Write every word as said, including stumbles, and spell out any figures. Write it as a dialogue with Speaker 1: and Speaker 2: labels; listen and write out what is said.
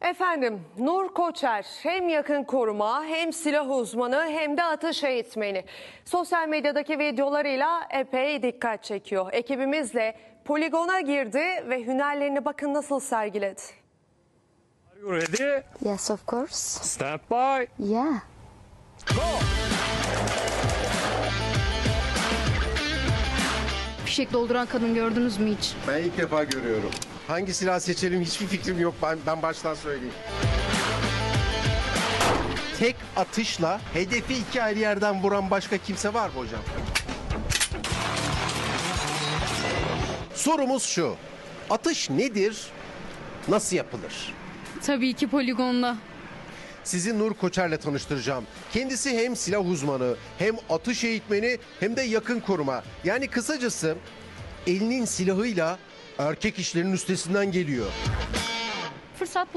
Speaker 1: Efendim, Nur Koçer hem yakın koruma hem silah uzmanı hem de atış eğitmeni. Sosyal medyadaki videolarıyla epey dikkat çekiyor. Ekibimizle poligona girdi ve hünerlerini bakın nasıl sergiledi.
Speaker 2: Are you ready?
Speaker 3: Yes, of course.
Speaker 2: Stand by.
Speaker 3: Yeah.
Speaker 4: Fişek dolduran kadın gördünüz mü hiç?
Speaker 5: Ben ilk defa görüyorum. Hangi silah seçelim hiçbir fikrim yok. Ben, ben baştan söyleyeyim. Tek atışla hedefi iki ayrı yerden vuran başka kimse var mı hocam? Sorumuz şu. Atış nedir? Nasıl yapılır?
Speaker 4: Tabii ki poligonda.
Speaker 5: Sizi Nur Koçer'le tanıştıracağım. Kendisi hem silah uzmanı, hem atış eğitmeni, hem de yakın koruma. Yani kısacası elinin silahıyla erkek işlerinin üstesinden geliyor.
Speaker 4: Fırsat